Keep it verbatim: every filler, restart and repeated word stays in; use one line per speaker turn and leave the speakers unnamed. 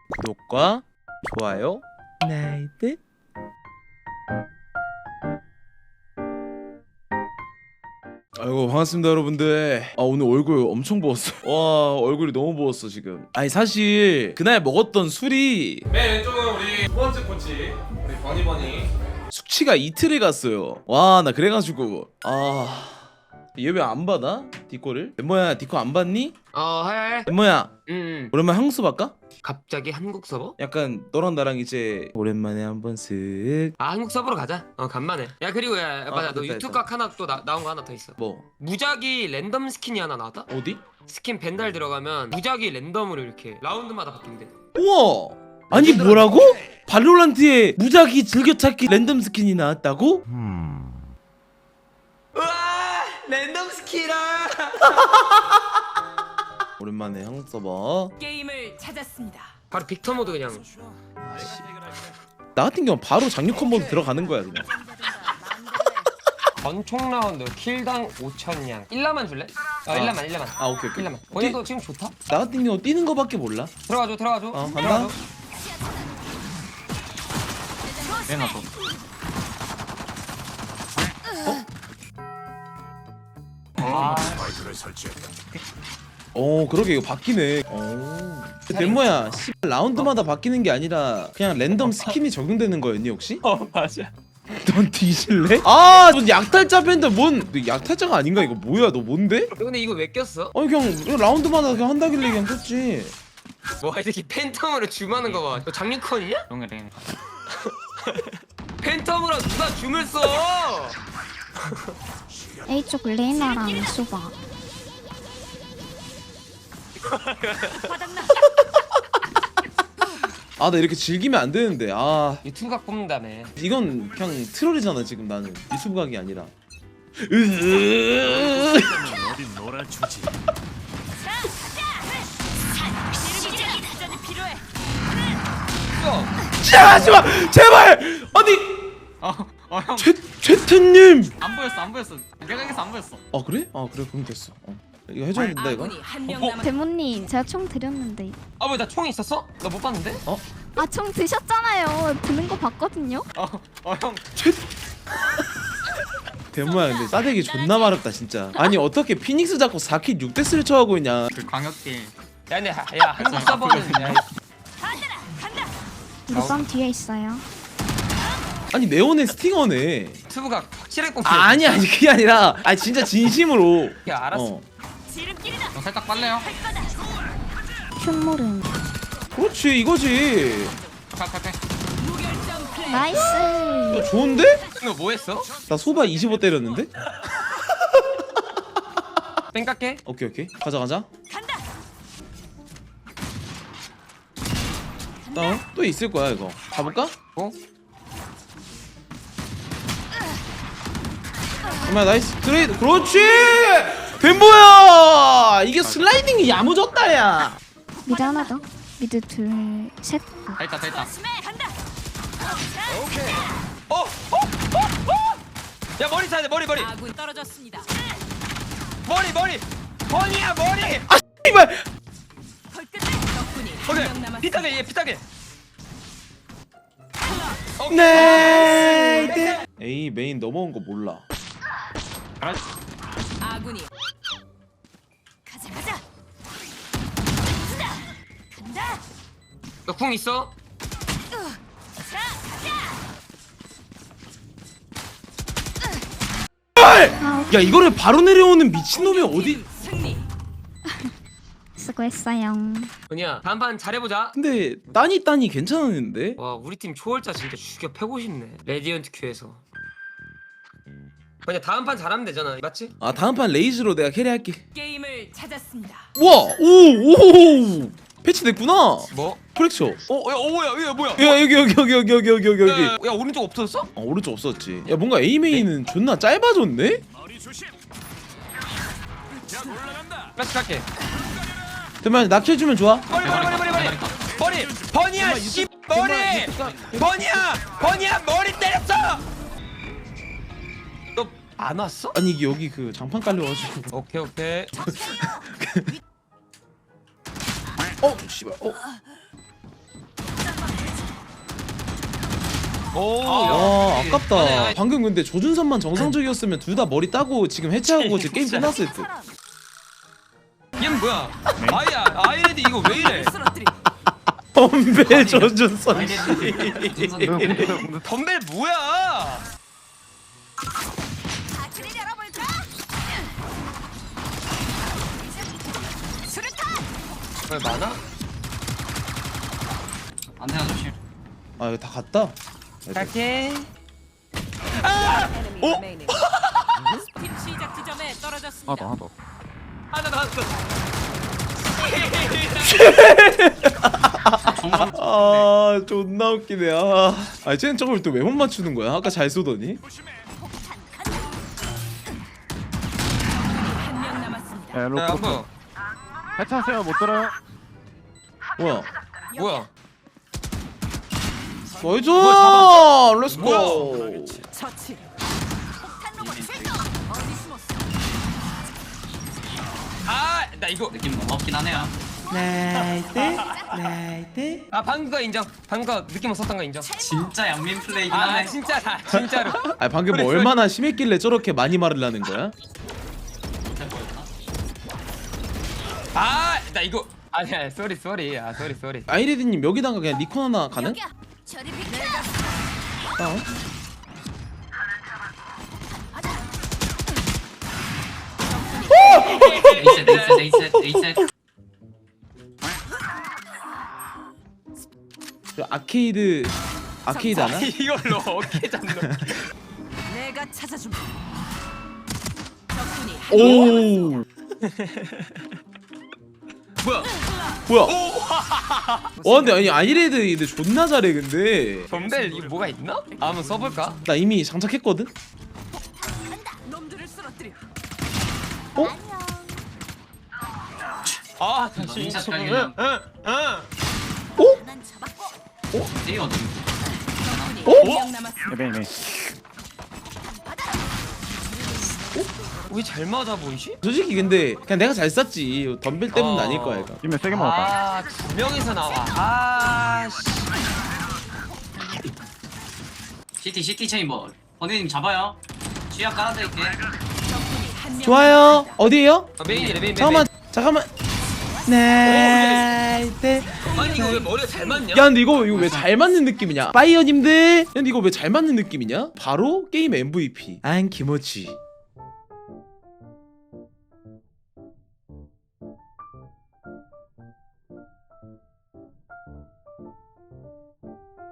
구독과 좋아요 나이트. 아이고 반갑습니다 여러분들. 아 오늘 얼굴 엄청 부었어. 와 얼굴이 너무 부었어 지금. 아니 사실 그날 먹었던 술이
맨 왼쪽은 우리 두 번째 코치 우리 버니버니.
숙취가 이틀을 갔어요. 와 나 그래가지고 아 얘 왜 안 받아? 디코를? 멤버야 디코 안 받니?
어 하야해.
멤버야
음
오랜만에 향수 받까?
갑자기 한국 서버?
약간 너랑 나랑 이제 오랜만에 한번 쓱
아 한국 서버로 가자. 어 간만에. 야 그리고 야, 야 맞아
아,
너
됐다,
유튜브
됐다.
각 하나 또 나, 나온 거 하나 더 있어.
뭐
무작위 랜덤 스킨이 하나 나왔다.
어디?
스킨 벤달 들어가면 무작위 랜덤으로 이렇게 라운드마다 바뀐대.
우와 아니 뭐라고? 발로란트에 무작위 즐겨찾기 랜덤 스킨이 나왔다고?
우와 랜덤 스킨이라.
오랜만에 한국 서버.
게임을 찾았습니다.
바로 빅터 모드 그냥.
나 같은 경우 바로 장육컨 모드 들어가는 거야 그냥.
전총 라운드 킬당 오천 냥. 일라만 줄래? 어
아.
일라만 일라만.
아 오케이 오케이.
일라만. 본인도 지금 좋다.
나 같은 경우 뛰는 거밖에 몰라.
들어가줘 들어가줘.
어, 간다.
들어가줘.
빼놔서.
아
어 그러게 이거 바뀌네. 어. 덴모야 씨 라운드마다 바뀌는 게 아니라 그냥 랜덤 스킨이 적용되는 거였니 혹시?
어 맞아.
넌 뒤질래? 아, 너 약탈자 밴드 뭔? 너 약탈자가 아닌가 이거 뭐야? 너 뭔데?
근데 이거 왜 꼈어?
아니 그냥 이거 라운드마다 그냥 한다길래 그냥 꼈지.
와 이렇게 팬텀으로 줌하는 거 봐. 너 장미컨이냐?
동해랭.
팬텀으로 누가 줌을 써?
A쪽 레이나랑 소바.
아 나 이렇게 즐기면 안 되는데. 아
유튜브 각 뽑는다며.
이건 그냥 트롤이잖아 지금 나는 유튜브 각이 아니라.
어디 놀아주지.
도전이 필요해.
야,
하지마 제발. 아니
어어 형.
최 최태님.
안 보였어 안 보였어. 내각에서 안 보였어.
아 그래? 아 그래 그럼 됐어. 어. 이거 해줘야 된다 이거.
아군이 한명
어?
남았.
데모님 제가 총 드렸는데.
아 왜 나 총이 있었어? 나 못 봤는데?
아 총 드셨잖아요. 드는 거 봤거든요.
어어 형.
대모야 근데 싸대기 존나 마렵다 진짜. 아니 어떻게 피닉스 잡고 사 킬 육 데스를 쳐하고 있냐.
그 광역 게임.
야 근데 하- 야 한국 서버는 야,
루방 뒤에 있어요.
아니 네온의 스팅어네.
유튜브 각 확실하게 뽑혀.
아, 아니 아니 그게 아니라 아 진짜 진심으로.
야 알았어.
어.
지름길이다.
형 살짝 빨래요.
흉모름.
그렇지 이거지.
칼칼칼.
무결점 플레이.
나이스.
어, 좋은데?
너 뭐 했어?
나 소바 이십오 때렸는데?
뺑 깎게.
오케이 오케이 가자 가자.
간다.
다운 또 있을 거야 이거. 가볼까?
어?
정말 나이스 트레이드. 그렇지. 덴보야 이게 슬라이딩이 야무졌다 야.
미드 하나 더. 미드 둘, 셋. 아,
다 있다 다 있다.
스매 간다.
어? 어? 어? 어? 야 머리 차야 돼 머리 머리
아군 떨어졌습니다.
머리 머리. 버니야 머리.
이발.
헐끝에 덕분이 한명
오케이
남았.
피타게 얘 피타게.
네. A 메인 넘어온 거 몰라.
아군이. 가자 가자. 간다.
너 궁 있어?
자 가자.
아,
야 이거를 바로 내려오는 미친놈이 어디.
승리.
수고했어요.
버니야 다음 판 잘해보자.
근데 따니 따니 괜찮았는데.
와 우리 팀 초월자 진짜 죽여 패고 싶네. 레디언트 큐에서. 그냥 다음 판 잘하면 되잖아 맞지?
아 다음 판 레이즈로 내가 캐리할게.
게임을 찾았습니다.
와, 오, 오, 패치됐구나.
뭐?
프렉처.
어? 야, 어 뭐야? 야 뭐야?
야 여기 여기 여기 여기 여기 여기 여기
야,
여기.
야, 야 오른쪽 없어졌어?
어, 오른쪽 없었지. 야 뭔가 A 메인은 존나 짧아졌네.
머리 조심. 야 올라간다.
플래시 갈게.
대만 낙해주면 좋아.
머리 머리 머리 머리 머리 머리 버니야 씨 머리 버니야 버니야 머리 때렸어. 너 안 왔어?
아니 이게 여기 그 장판 깔려가지고.
오케이 오케이.
어, 씨발. 어.
오,
와
역시.
아깝다.
아니, 아니,
방금 근데 조준선만 정상적이었으면 둘 다 머리 따고 지금 해체하고 이제 게임 끝났을 듯.
얘는 뭐야? 아이야, 아이레디 이거 왜 이래?
쓰러뜨리.
덤벨 조준선 씨.
덤벨 뭐야?
아트를 열어볼까? 수류탄.
왜 많아?
안테나 조심.
아 이거 다 갔다.
갈게.
어?
팀 시작 지점에 떨어졌습니다.
하나 더.
하나 더 왔어.
아 존나 웃기네. 아, 아 쟤는 저걸 또 왜 못 맞추는 거야? 아까 잘 쏘더니.
한 명 남았습니다.
야,
야, 안
로프.
보여.
해체하세요. 못 들어요.
뭐야?
뭐야?
나이스!
뭐야,
렛츠고!
처치. 폭탄 로봇 출동. 어디 숨었어?
아, 나 이거.
느낌 너무 하네요.
나이스 나이스.
아, 방금 거 인정. 방금 거 느낌 없었던 거 인정.
진짜 양민 플레이긴
아,
하네.
진짜다. 진짜로.
아 방금 뭐
그래,
얼마나 심했길래 저렇게 많이 말을 하는 거야?
진짜 뭐였나?
아, 나 이거. 아니야, 쏘리 쏘리. 아, 쏘리 쏘리.
아이레디님 여기다가 그냥 니콘 하나 가능?
여기야. 저리 비켜.
어?
에이셋 에이셋 에이셋 에이셋.
저 아케이드 아케이드 하나?
이걸로 어깨 잡는.
내가 찾아줌. 적군이 한 명
오
뭐야?
뭐야? 와 근데 아니 아이레드 근데 존나 잘해 근데.
덤벨 이거 뭐가 있나? 아, 한번 써볼까?
나 이미 장착했거든?
간다. 놈들을 쓰러뜨려.
아,
너
다시.
인샷
응,
깔리면
응, 응.
난 잡았고.
에이 어디?
적군이
어?
한 명 남았습니다.
메인 메인.
왜 잘 맞아 보이지?
솔직히 근데 그냥 내가 잘 쐈지 덤벨 때문은
어.
아닐 거야 이거.
이면 세게 먹었다.
아, 두 명이서 나와. 아, 씨.
시티 시티 체인버. 번희님 잡아요. 취약 깔아드릴게.
적군이 한 명.
좋아요. 어디에요?
아, 메인이래, 메인, 메인.
잠깐만 잠깐만. 나이스.
아니, 이거 왜 머리가 잘 맞냐?
야 근데 이거 이거 왜 잘 맞는 느낌이냐? 파이어님들. 근데 이거 왜 잘 맞는 느낌이냐? 바로 게임 엠브이피 안 키모치.